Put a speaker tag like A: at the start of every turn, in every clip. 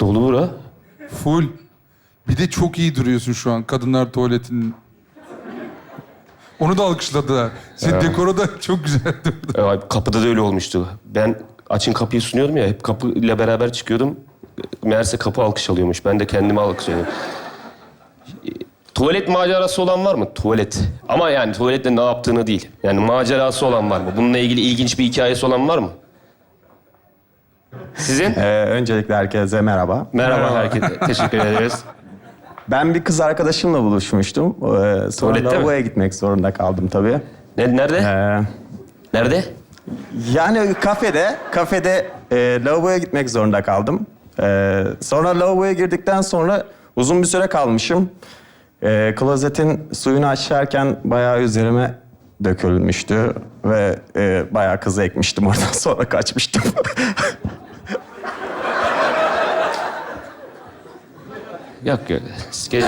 A: Dolu bura.
B: Full. Bir de çok iyi duruyorsun şu an kadınlar tuvaletinin. Onu da alkışladılar. Senin dekoru da çok güzel durdu.
A: Kapıda da öyle olmuştu. Ben açın kapıyı sunuyordum ya, hep kapıyla beraber çıkıyordum. Meğerse kapı alkış alıyormuş. Ben de kendimi alkışlıyordum. Tuvalet macerası olan var mı? Tuvalet. Ama yani tuvaletle ne yaptığını değil. Yani macerası olan var mı? Bununla ilgili ilginç bir hikayesi olan var mı? Sizin?
C: Öncelikle herkese merhaba.
A: Merhaba herkese. Teşekkür ederiz.
C: Ben bir kız arkadaşımla buluşmuştum. Sonra
A: Tuvalette mi?
C: lavaboya gitmek zorunda kaldım tabii.
A: Nerede?
C: Ee,
A: Nerede?
C: Yani kafede lavaboya gitmek zorunda kaldım. Sonra lavaboya girdikten sonra uzun bir süre kalmışım. Klozetin suyunu açarken bayağı üzerime dökülmüştü ve bayağı kızı ekmiştim oradan sonra kaçmıştım.
A: Yok. Geç.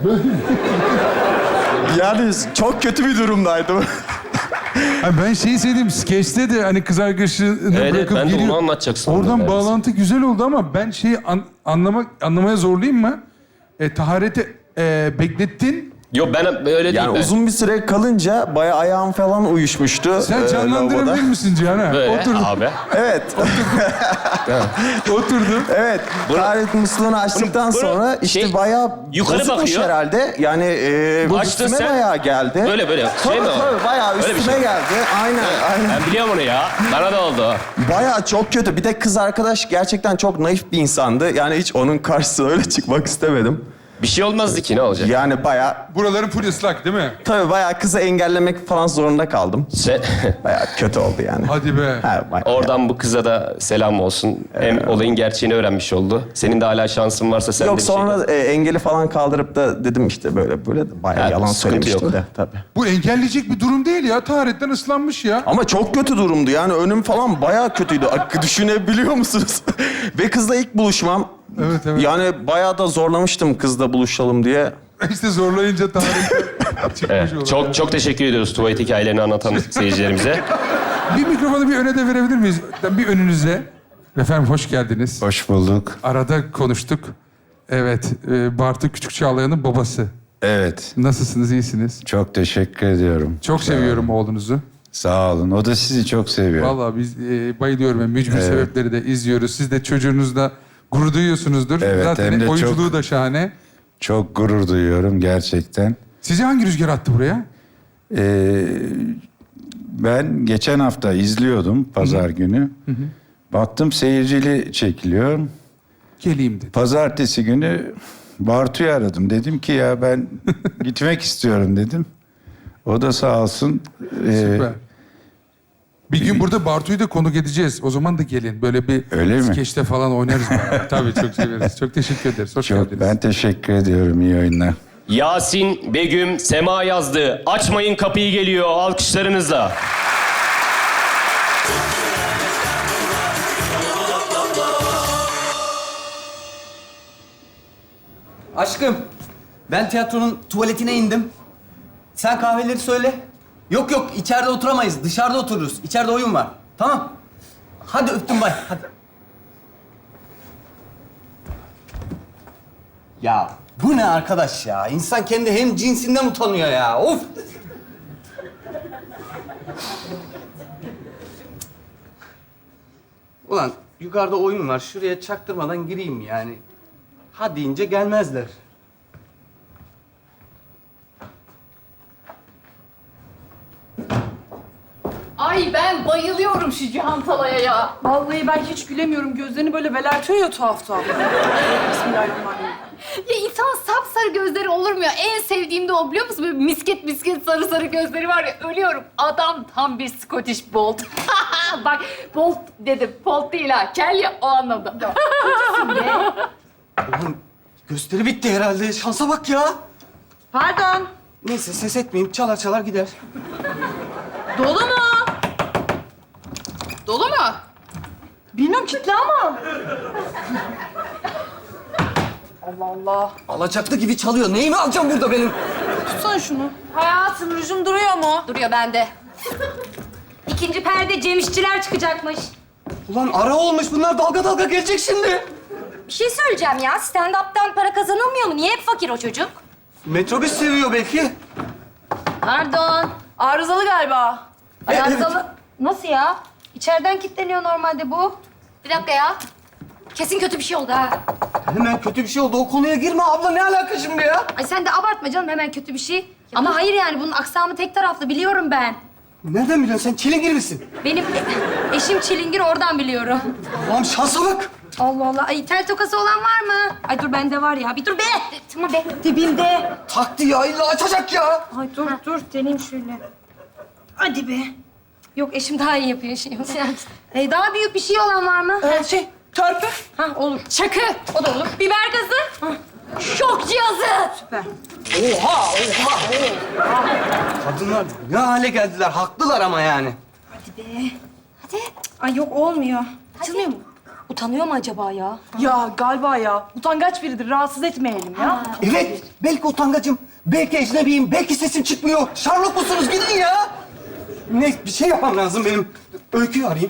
C: Yani çok kötü bir durumdaydım.
B: Abi ben şeyi sevdim. Skeçte de hani kız arkadaşını
A: Evet,
B: bırakıp
A: ben de
B: geliyor.
A: onu anlatacaksın.
B: Oradan
A: neredeyse.
B: bağlantı güzel oldu ama ben şeyi anlamaya zorlayayım mı? Tahareti beklettin.
A: Yok ben öyle değil.
C: Yani
A: ben.
C: uzun bir süre kalınca bayağı ayağım falan uyuşmuştu.
B: Sen
C: lavaboda.
B: canlandırabilir misin Cihan'a?
A: Böyle
B: Oturdum.
A: abi.
C: Evet.
B: Oturdum.
C: Evet. Taharet musluğunu açtıktan
A: bunu
C: sonra işte
A: şey,
C: bayağı
A: yukarı
C: bozukmuş
A: bakıyor.
C: herhalde. Yani
A: Açtın
C: üstüme
A: sen.
C: bayağı geldi.
A: Böyle şey
C: Tabii
A: mi o?
C: tabii bayağı
A: Öyle bir
C: üstüme
A: şey.
C: geldi. Aynen.
A: Ben biliyorum onu ya. Bana da oldu.
C: Bayağı çok kötü. Bir de kız arkadaş gerçekten çok naif bir insandı. Yani hiç onun karşısına öyle çıkmak istemedim.
A: Bir şey olmazdı ki, ne olacak?
C: Yani bayağı
B: Buraların full ıslak değil mi?
C: tabii bayağı kızı engellemek falan zorunda kaldım. Bayağı kötü oldu yani.
B: Hadi be.
C: Ha, bayağı.
A: Oradan bu kıza da selam olsun. Hem olayın gerçeğini öğrenmiş oldu. Senin de hala şansın varsa sen de
C: Yok
A: bir şey
C: sonra
A: yap.
C: engeli falan kaldırıp da dedim işte böyle de bayağı
A: Ha,
C: yalan
A: sıkıntı
C: söylemiştim
A: yok.
C: de tabii.
B: Bu engelleyecek bir durum değil ya. Taharetten ıslanmış ya.
C: Ama çok kötü durumdu yani önüm falan bayağı kötüydü. Düşünebiliyor musunuz? Ve kızla ilk buluşmam.
B: Evet.
C: Yani bayağı da zorlamıştım kızla buluşalım diye.
B: İşte zorlayınca taharetten çıkmış
A: Evet.
B: olur.
A: Çok teşekkür ediyoruz tuvalet hikayelerini anlatan seyircilerimize.
B: Bir mikrofonu bir öne de verebilir miyiz? Bir önünüze. Efendim hoş geldiniz.
D: Hoş bulduk.
B: Arada konuştuk. Evet, Bartu Küçük Çağlayan'ın babası.
D: Evet,
B: Nasılsınız, iyisiniz?
D: çok teşekkür ediyorum.
B: Çok seviyorum oğlunuzu.
D: Sağ olun. O da sizi çok seviyor.
B: Vallahi biz bayılıyorum. Yani mücbir sebepleri de izliyoruz. Siz de çocuğunuzla gurur duyuyorsunuzdur.
D: Evet,
B: Zaten
D: hem de
B: oyunculuğu
D: çok-
B: da şahane.
D: Çok gurur duyuyorum gerçekten.
B: Sizi hangi rüzgar attı buraya?
D: Ben geçen hafta izliyordum pazar günü. Baktım seyircili çekiliyor.
B: Geleyim dedi.
D: Pazartesi günü Bartu'yu aradım. Dedim ki ya ben gitmek istiyorum dedim. O da sağ olsun.
B: Süper. Bir gün burada Bartu'yu da konuk edeceğiz. O zaman da gelin. Böyle bir
D: Öyle mi?
B: skeçte falan oynarız beraber. Tabii çok severiz. Çok teşekkür ederiz. Hoş
D: Çok,
B: geldiniz.
D: ben teşekkür ediyorum. İyi oyunlar.
A: Yasin, Begüm, Sema yazdı. Açmayın kapıyı geliyor alkışlarınızla.
E: Aşkım, ben tiyatronun tuvaletine indim. Sen kahveleri söyle. Yok, içeride oturamayız. Dışarıda otururuz. İçeride oyun var. Tamam. Hadi öptüm bay. Hadi. Ya bu ne arkadaş ya? İnsan kendi hem cinsinden utanıyor ya. Of! Ulan yukarıda oyun var. Şuraya çaktırmadan gireyim yani. Ha deyince gelmezler.
F: Ay ben bayılıyorum şu Cihan Talay'a ya.
G: Vallahi ben hiç gülemiyorum. Gözlerini böyle belertiyor ya tuhaf tuhaf. Bismillahirrahmanirrahim.
F: Ya insan sapsarı gözleri olur mu ya? En sevdiğim de o biliyor musun? Böyle misket sarı sarı gözleri var ya. Ölüyorum. Adam tam bir Scottish Bolt. Bak Bolt dedim. Bolt değil ha. Kel ya o anlamda.
E: Oğlum gösteri bitti herhalde. Şansa bak ya.
G: Pardon.
E: Neyse ses etmeyeyim. Çalar çalar gider.
G: Dolu mu?
F: Dolu mu?
G: Bilmiyorum kitle ama. Allah Allah.
E: Alacaklı gibi çalıyor. Neyimi alacağım burada benim?
G: Tutsana şunu. Hayatım rujum duruyor mu?
F: Duruyor bende.
H: İkinci perde Cem İşçiler çıkacakmış.
E: Ulan ara olmuş. Bunlar dalga dalga gelecek şimdi.
H: Bir şey söyleyeceğim ya. Stand-up'tan para kazanılmıyor mu? Niye hep fakir o çocuk?
E: Metrobüs seviyor belki.
H: Pardon.
G: Arızalı galiba.
H: Arızalı. Nasıl ya? İçeriden kilitleniyor normalde bu. Bir dakika ya. Kesin kötü bir şey oldu ha.
E: Hemen kötü bir şey oldu. O konuya girme abla. Ne alaka şimdi ya?
H: Ay sen de abartma canım hemen kötü bir şey. Ama hayır yani bunun aksamı tek taraflı biliyorum ben.
E: Nereden biliyorsun? Sen çilingir misin?
H: Benim eşim çilingir oradan biliyorum.
E: Allah'ım şansa bak.
H: Allah Allah. Ay tel tokası olan var mı? Ay dur bende var ya. Bir dur be. Tamam be. Dibinde.
E: Taktı ya. İlla açacak ya.
H: Ay dur deneyim şöyle. Hadi be. Yok eşim daha iyi yapıyor şey. Daha büyük bir şey olan var mı?
G: Törpü.
H: Ha olur. Çakı. O da olur. Biber gazı. Şok cihazı.
G: Süper.
E: Oha. Kadınlar ne hale geldiler. Haklılar ama yani.
H: Hadi be. Hadi. Ay yok olmuyor. Açılmıyor mu? Utanıyor mu acaba ya?
G: Ya galiba ya. Utangaç biridir. Rahatsız etmeyelim ya.
E: Evet. Belki utangacım. Belki ecnebiyim. Belki sesim çıkmıyor. Sherlock musunuz? Gidin ya. Ne? Bir şey yapmam lazım benim. Öyküyü arayayım.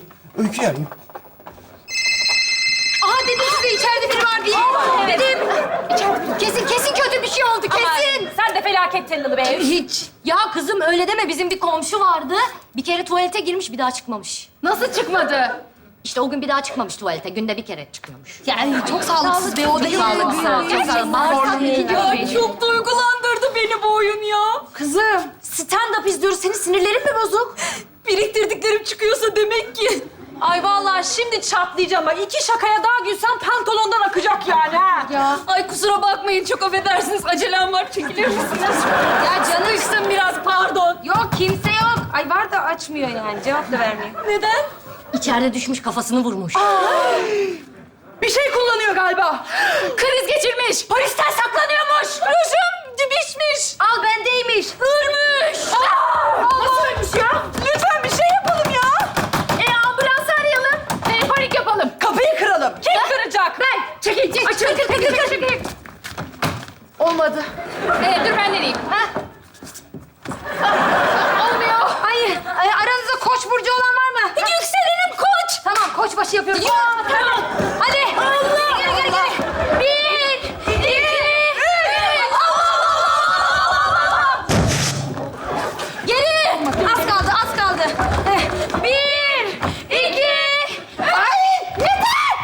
H: Aha dedim size içeride biri var diye. Dedim. Kesin kötü bir şey oldu kesin.
F: Sen de felaket tellalı be.
H: Hiç. Ya kızım öyle deme. Bizim bir komşu vardı. Bir kere tuvalete girmiş bir daha çıkmamış.
F: Nasıl çıkmadı?
H: İşte o gün bir daha çıkmamış tuvalete. Günde bir kere çıkıyormuş. Yani çok sağlıksız be o da.
F: Çok sağlıksız.
H: Ya çok duygulandırdı beni bu oyun ya. Kızım stand-up izliyoruz. Senin sinirlerin mi bozuk? Biriktirdiklerim çıkıyorsa demek ki.
F: Ay vallahi şimdi çatlayacağım. Bak 2 şakaya daha gülsem pantolondan akacak yani ha.
H: Ya.
F: Ay kusura bakmayın çok affedersiniz. Acelem var çekilir misiniz?
H: Ya canım.
F: Sıkıştım biraz pardon.
H: Yok kimse yok. Ay var da açmıyor yani. Cevap da vermiyor.
F: Neden?
H: İçeride düşmüş kafasını vurmuş.
F: Bir şey kullanıyor galiba. Kriz geçirmiş. Polisten saklanıyormuş. Rujum dibişmiş.
H: Al bendeymiş.
F: Hırmış. Nasıl ölmüş ya? Lütfen bir şey yapalım ya. Ambulans arayalım. Panik yapalım.
G: Kapıyı kıralım.
F: Kim kıracak? Ben. Çekil. Çekil. Olmadı. Dur ben deneyeyim. Ha? Olmuyor.
H: Hayır. Aranızda koç burcu olan var mı?
F: Yükselenim koç.
H: Tamam koçbaşı yapıyoruz.
F: Tamam.
H: Hadi.
F: Allah.
H: Gel.
F: 1, 2, 3.
H: Geri. Az kaldı.
F: 1, 2. Ay yeter.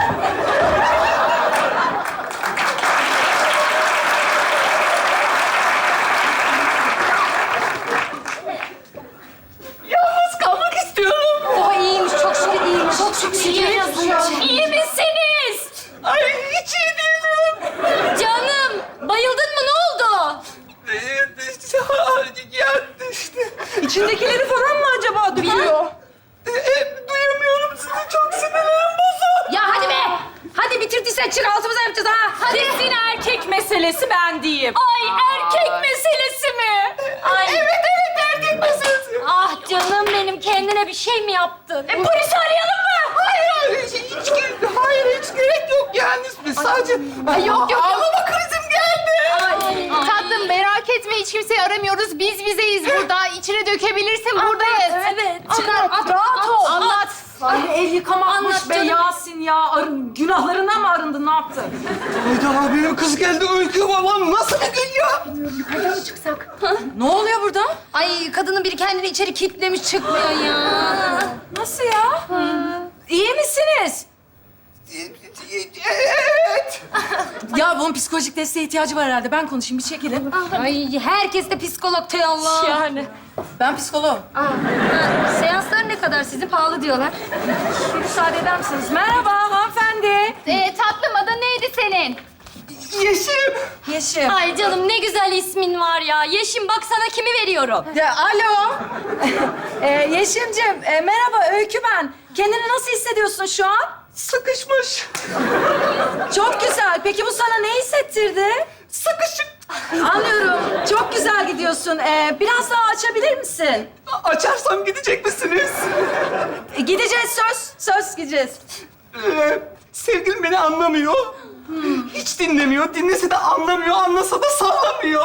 F: Yalnız kalmak istiyorum.
H: Oh iyiymiş. Çok şükür iyiymiş. Çok şükür.
F: İyi misiniz? Ay hiç iyi değilim.
H: Canım. Bayıldın mı? Ne oldu?
E: Ya işte.
G: İçindekileri falan mı acaba duyuyor?
E: Duyamıyorum sizi. Çok sinirlerim bozuk.
H: Ya hadi be. Hadi bitirdiysen çık altımıza yapacağız ha. Hadi.
F: Kesin erkek meselesi ben diyeyim. Ay erkek meselesi mi? Ay. Evet erkek meselesi.
H: Ah canım benim. Kendine bir şey mi yaptın?
F: Polisi arayalım mı?
E: Hayır, hiç gerek yok yani. Biz sadece...
F: Ay, yok.
E: Ağlama krizim geldi.
F: Tatlım merak etme hiç kimseyi aramıyoruz. Biz bizeyiz burada. İçine dökebilirsin buradayız.
H: Evet.
F: Rahat ol. Anlat.
G: Ay el yıkamakmış
H: Anlat
G: be
H: canım.
G: Yasin ya. Günahlarına mı arındın? Ne yaptın?
E: Hayda benim kız geldi. Öykü babam nasıl bir gün ya?
G: Ne oluyor burada?
H: Ay kadının biri kendini içeri kilitlemiş çıkmıyor ya.
G: Nasıl ya? İyi misiniz?
E: Evet.
G: Ya bunun psikolojik desteğe ihtiyacı var herhalde. Ben konuşayım bir çekilin.
H: Ay herkes de psikolog tey Allah.
G: Yani. Ben psikoloğum.
H: Seanslar ne kadar sizin pahalı diyorlar.
G: Müsaade eder misiniz? Merhaba hanımefendi.
F: Tatlım adın neydi senin?
E: Yeşim.
G: Yeşim.
H: Ay canım ne güzel ismin var ya. Yeşim bak sana kimi veriyorum.
G: Ya, alo. Yeşim'cim merhaba Öykü ben. Kendini nasıl hissediyorsun şu an?
E: Sıkışmış.
G: Çok güzel. Peki bu sana ne hissettirdi?
E: Sıkışık.
G: Anlıyorum. Çok güzel gidiyorsun. Biraz daha açabilir misin?
E: Açarsam gidecek misiniz?
G: Gideceğiz söz. Söz gideceğiz.
E: Sevgilim beni anlamıyor. Hiç dinlemiyor. Dinlese de anlamıyor. Anlasa da sallamıyor.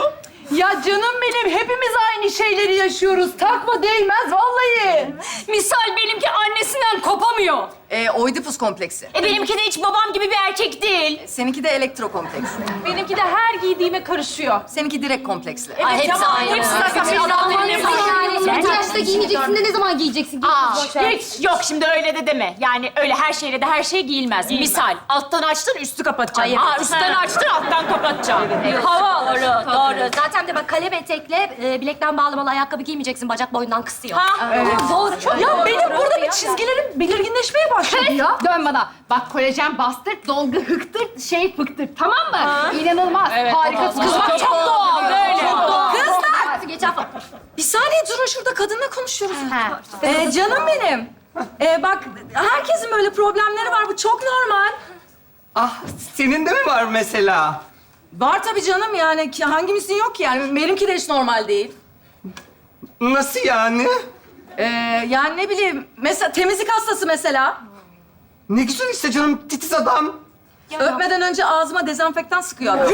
G: Ya canım benim, hepimiz aynı şeyleri yaşıyoruz. Takma, değmez vallahi.
H: Misal benimki annesinden kopamıyor.
G: Oidipus kompleksi.
H: Benimki de hiç babam gibi bir erkek değil.
G: Seninki de elektro kompleksi.
H: Benimki de her giydiğime karışıyor.
G: Seninki direkt kompleksli.
H: Ay, hepsi aynı.
G: Hepsi zaten
H: Adamların hepsi
F: Yani bu yaşta giymeyeceksin de ne zaman giyeceksin?
H: Hiç yok şimdi öyle de deme. Yani öyle her şeyle de her şey giyilmez. Misal alttan açtın üstü kapatacaksın. Üstten açtın alttan kapatacaksın. Hava doğru.
I: Zaten de bak kalem etekle bilekten bağlamalı ayakkabı giymeyeceksin. Bacak boyundan kısıyor.
G: Doğru, çok
I: Ya
G: doğru.
I: benim burada bir
G: çizgilerim belirginleşmeye başladı ya.
F: Dön bana. Bak kolajen bastırt, dolgu hıktır, şey fıktır. Tamam mı? İnanılmaz. Harikasın.
H: Kız bak çok doğal böyle.
I: Kızlar! Geçen
G: Bir saniye durun, şurada kadınla konuşuyoruz.
F: He.
G: Canım benim. Bak herkesin böyle problemleri var, bu çok normal.
E: Ah, senin de mi var mesela?
G: Var tabii canım, yani ki hangimizin yok ki yani. Benimki de hiç normal değil.
E: Nasıl yani?
G: Yani ne bileyim, mesela temizlik hastası mesela.
E: Ne güzel işte canım, titiz adam.
G: Öpmeden önce ağzıma dezenfektan sıkıyor adam.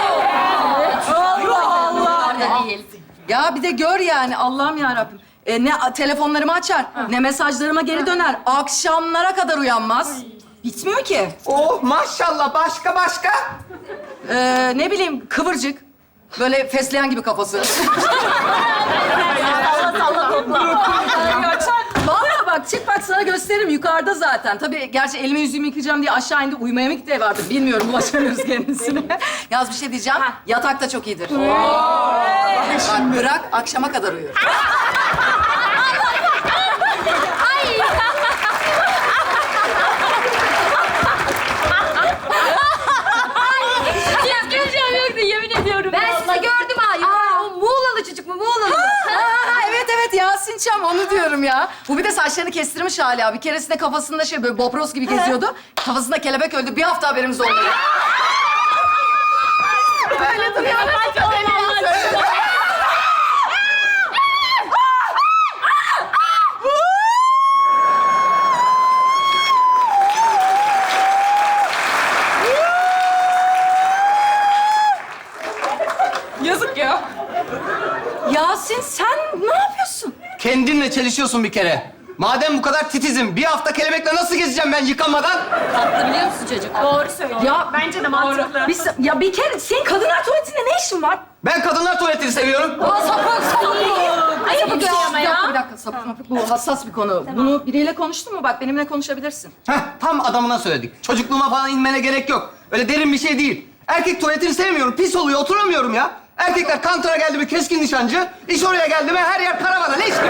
G: Allah Allah.
I: değil.
G: Ya bir de gör yani, Allah'ım yarabbim. Ne telefonlarımı açar, ne mesajlarıma geri döner. Akşamlara kadar uyanmaz. Bitmiyor ki.
E: Oh maşallah, başka?
G: Ne bileyim, kıvırcık. Böyle fesleğen gibi kafası. Vallahi bak, çık bak sana gösteririm, yukarıda zaten. Tabii gerçi elimi yüzümü yıkayacağım diye aşağı indi, uyumaya mı gitti ev artık bilmiyorum, ulaşamıyoruz kendisine. Yalnız bir şey diyeceğim, yatak da çok iyidir. Bak bırak, akşama kadar uyur.
H: Güleceğim yoktu yemin ediyorum.
I: Ben sizi gördüm ha. O Muğlalı çocuk mu? Muğlalı.
G: Evet Yasin Çam, onu diyorum ya. Bu bir de saçlarını kestirmiş hala. Bir keresinde kafasında şey böyle Bob Ross gibi geziyordu. Kafasında kelebek öldü. Bir hafta haberimiz olmadı. Böyle duruyor.
H: Yazık ya.
G: Yasin sen ne yapıyorsun?
E: Kendinle çelişiyorsun bir kere. Madem bu kadar titizim, bir hafta kelebekle nasıl gezeceğim ben yıkamadan?
I: Tatlı biliyor musun çocuk?
H: Doğru söylüyor.
G: Ya
H: Bence de mantıklı.
G: bir kere senin kadınlar tuvaletinde ne işin var?
E: Ben kadınlar tuvaletini seviyorum.
G: Sapık.
H: Ayıp bir şey ama ya.
G: Bir dakika, sapık. Bu hassas bir konu. Bunu biriyle konuştun mu? Bak benimle konuşabilirsin.
E: Heh, tam adamına söyledik. Çocukluğuma falan inmene gerek yok. Öyle derin bir şey değil. Erkek tuvaletini sevmiyorum, pis oluyor, oturamıyorum ya. Erkekler kantora geldi mi keskin nişancı, iş oraya geldi mi her yer karavana, leş gibi.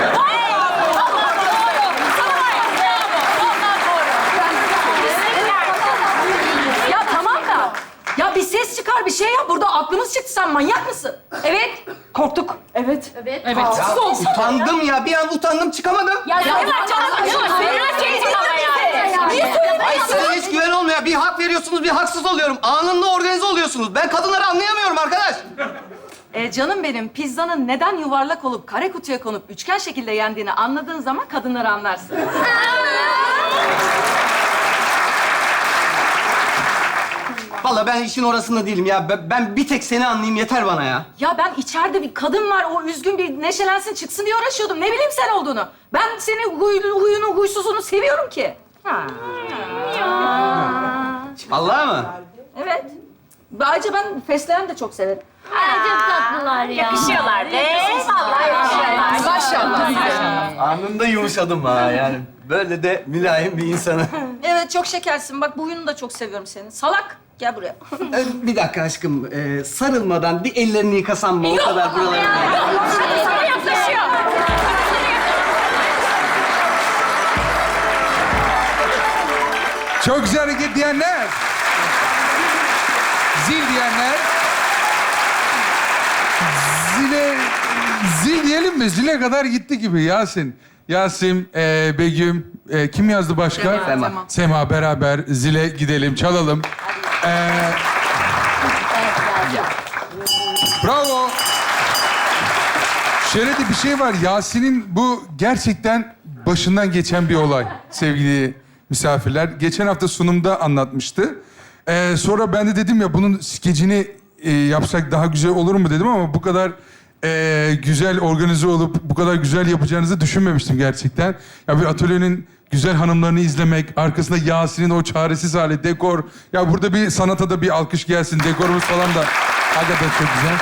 G: Ya tamam da. Ya bir ses çıkar, bir şey yap. Burada aklımız çıktı. Sen manyak mısın?
H: Evet.
G: Korktuk. Evet.
E: Ya utandım ya, bir an utandım çıkamadım.
H: Ya ne var canım? Merak ettim ama yani.
G: Niye söylemedin?
E: Ay size hiç güven olmuyor. Bir hak veriyorsunuz, bir haksız oluyorum. Anında organize oluyorsunuz. Ben kadınları anlayamıyorum arkadaş.
G: Canım benim, pizzanın neden yuvarlak olup kare kutuya konup üçgen şekilde yendiğini anladığın zaman kadınları anlarsın.
E: Vallahi ben işin orasında değilim ya. Ben bir tek seni anlayayım yeter bana ya.
G: Ya ben içeride bir kadın var, o üzgün bir neşelensin çıksın diye uğraşıyordum. Ne bileyim sen olduğunu. Ben senin huyunu, huysuzunu seviyorum ki.
E: Vallahi mı?
G: Evet. Ayrıca ben fesleğen de çok severim.
H: Çok tatlılar ya. Yakışıyorlar be. Vallahi yakışıyorlar.
G: Maşallah.
E: Anında yumuşadım ha yani. Böyle de mülayim bir insanı.
G: Evet, çok şekersin. Bak bu huyunu da çok seviyorum senin. Salak. Gel buraya.
E: Bir dakika aşkım. Sarılmadan bir ellerini yıkasan mı? O kadar buralarına.
H: Sana yaklaşıyor.
B: Çok güzel hareket diyenler. Zil diyenler. Zil diyelim mi? Zile kadar gitti gibi Yasin. Yasin, Begüm, kim yazdı başka?
E: Sema.
B: Sema beraber zile gidelim, çalalım. Bravo. Şöyle de bir şey var. Yasin'in bu gerçekten başından geçen bir olay sevgili misafirler. Geçen hafta sunumda anlatmıştı. Sonra ben de dedim ya bunun skecini yapsak daha güzel olur mu dedim ama bu kadar güzel organize olup bu kadar güzel yapacağınızı düşünmemiştim gerçekten. Ya bir atölyenin güzel hanımlarını izlemek, arkasında Yasin'in o çaresiz hali, dekor. Ya burada bir sanata da bir alkış gelsin. Dekorumuz falan da hakikaten çok güzel.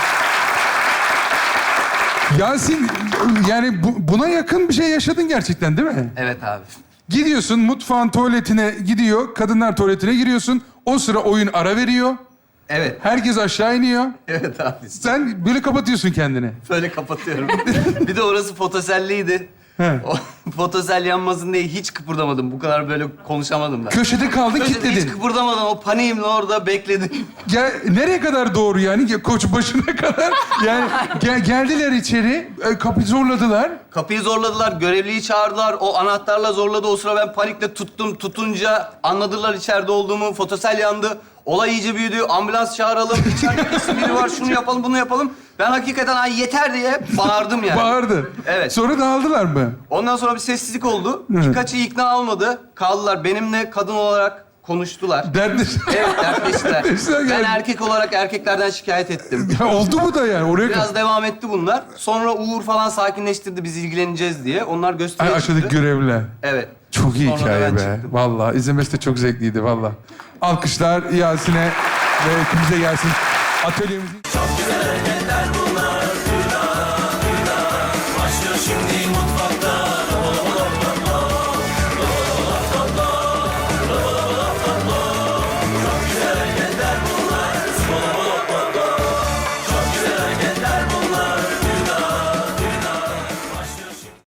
B: Yasin, yani buna yakın bir şey yaşadın gerçekten değil mi?
E: Evet abi.
B: Gidiyorsun mutfağın tuvaletine gidiyor, kadınlar tuvaletine giriyorsun. O sıra oyun ara veriyor.
E: Evet.
B: Herkes aşağı iniyor.
E: Evet abi.
B: Sen böyle kapatıyorsun kendini.
E: Böyle kapatıyorum. Bir de orası fotoselliydi.
B: He.
E: O fotosel yanmasın diye hiç kıpırdamadım. Bu kadar böyle konuşamadım da.
B: Köşede kaldın,
E: Hiç
B: kilitledin.
E: kıpırdamadım. O paniğimle orada bekledim.
B: Nereye kadar doğru yani? Koç başına kadar. Yani geldiler içeri, kapıyı zorladılar.
E: Kapıyı zorladılar, görevliyi çağırdılar. O anahtarla zorladı. O sıra ben panikle tuttum. Tutunca anladılar içeride olduğumu. Fotosel yandı. Olay iyice büyüdü. Ambulans çağıralım. İçeride kesin biri var. Şunu yapalım, bunu yapalım. Ben hakikaten ay yeter diye bağırdım yani.
B: Bağırdı.
E: Evet.
B: Sonra dağıldılar mı?
E: Ondan sonra bir sessizlik oldu. Birkaçı ikna olmadı. Kaldılar. Benimle kadın olarak konuştular.
B: Dertleş...
E: Evet, dertleştiler.
B: Dertleştiler
E: Ben
B: yani.
E: erkek olarak erkeklerden şikayet ettim.
B: Ya oldu mu da yani? Oraya
E: Biraz devam etti bunlar. Sonra Uğur falan sakinleştirdi biz ilgileneceğiz diye. Onlar gösteriye çıktı.
B: aşağıdaki görevliler.
E: Evet.
B: Çok iyi
E: Sonra da
B: hikaye
E: ben
B: be.
E: çıktım.
B: Vallahi izlemesi de çok zevkliydi vallahi. Alkışlar Yasin'e ve hepimize gelsin. Atölyemizin...
J: Çok güzel hareketler bunlar.